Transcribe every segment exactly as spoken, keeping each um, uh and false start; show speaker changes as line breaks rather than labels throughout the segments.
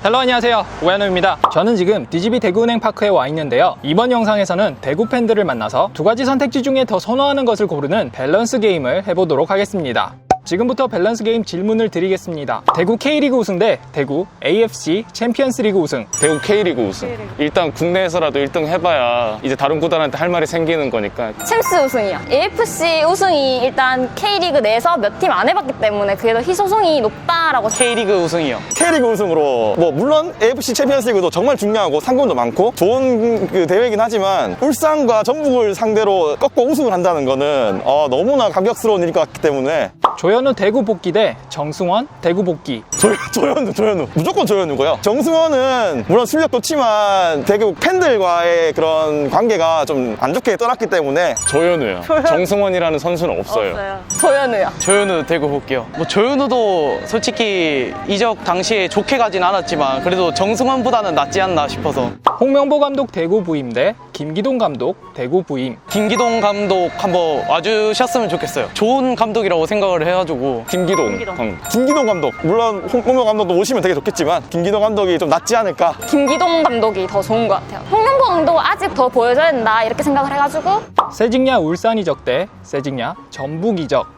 헬로, 안녕하세요, 오현우입니다. 저는 지금 디지비 대구은행 파크에 와 있는데요, 이번 영상에서는 대구 팬들을 만나서 두 가지 선택지 중에 더 선호하는 것을 고르는 밸런스 게임을 해보도록 하겠습니다. 지금부터 밸런스 게임 질문을 드리겠습니다. 대구 K리그 우승 대 대구 에이에프씨 챔피언스리그 우승.
대구 K리그 우승. K리그. 일단 국내에서라도 일 등 해봐야 이제 다른 구단한테 할 말이 생기는 거니까.
챔스 우승이요. 에이에프씨 우승이 일단 K리그 내에서 몇 팀 안 해봤기 때문에 그게 더 희소성이 높다라고.
K리그 우승이요.
K리그 우승으로 뭐 물론 에이에프씨 챔피언스리그도 정말 중요하고 상금도 많고 좋은 그 대회이긴 하지만 울산과 전북을 상대로 꺾고 우승을 한다는 거는 어, 너무나 감격스러운 일일 것 같기 때문에
조현우 대구 복귀 대 정승원 대구 복귀.
조, 조현우 조현우 무조건 조현우고요. 정승원은 물론 실력도 좋지만 대구 팬들과의 그런 관계가 좀 안 좋게 떠났기 때문에
조현우요. 정승원이라는 선수는 없어요.
없어요. 조현우요.
조현우 대구 볼게요. 뭐 조현우도 솔직히 이적 당시에 좋게 가진 않았지만 그래도 정승원보다는 낫지 않나 싶어서.
홍명보 감독 대구 부임 대 김기동 감독 대구 부임.
김기동 감독 한번 와주셨으면 좋겠어요. 좋은 감독이라고 생각을 해가지고.
김기동.
김기동.
감독.
김기동 감독 물론 홍명보 감독도 오시면 되게 좋겠지만 김기동 감독이 좀 낫지 않을까.
김기동 감독이 더 좋은 것 같아요. 홍명보 감독 아직 더 보여줘야 된다 이렇게 생각을 해가지고.
세징야 울산 이적 대 세징야 전북 이적.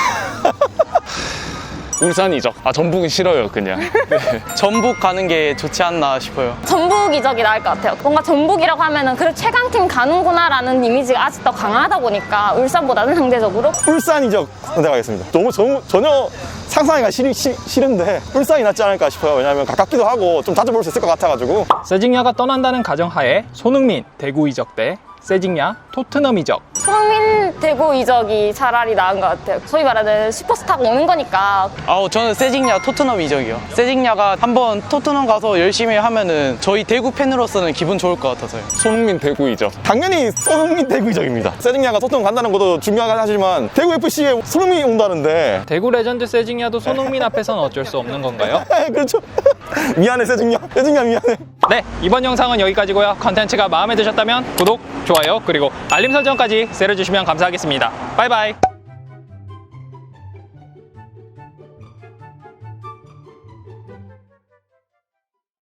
울산 이적. 아, 전북은 싫어요, 그냥. 네.
전북 가는 게 좋지 않나 싶어요.
전북 이적이 나을 것 같아요. 뭔가 전북이라고 하면은 그래 최강팀 가는구나라는 이미지가 아직 더 강하다 보니까 울산보다는 상대적으로.
울산 이적 선택하겠습니다. 너무 전, 전혀 상상하기가 싫, 싫, 싫은데 울산이 낫지 않을까 싶어요. 왜냐하면 가깝기도 하고 좀 자주 볼 수 있을 것 같아가지고.
세징야가 떠난다는 가정하에 손흥민 대구 이적 대 세징야 토트넘 이적.
손흥민 대구 이적이 차라리 나은 것 같아요. 소위 말하는 슈퍼스타가 오는 거니까.
아우 저는 세징야 토트넘 이적이요. 세징야가 한번 토트넘 가서 열심히 하면은 저희 대구 팬으로서는 기분 좋을 것 같아서요.
손흥민 대구 이적.
당연히 손흥민 대구 이적입니다. 세징야가 토트넘 간다는 것도 중요하긴 하지만 대구 에프씨에 손흥민이 온다는데.
대구 레전드 세징야도 손흥민 앞에선 어쩔 수 없는 건가요?
그렇죠. 미안해 세징야. 세징야 미안해.
네, 이번 영상은 여기까지고요. 컨텐츠가 마음에 드셨다면 구독, 좋아요, 그리고 알림 설정까지 세려주시면 감사하겠습니다. 바이바이.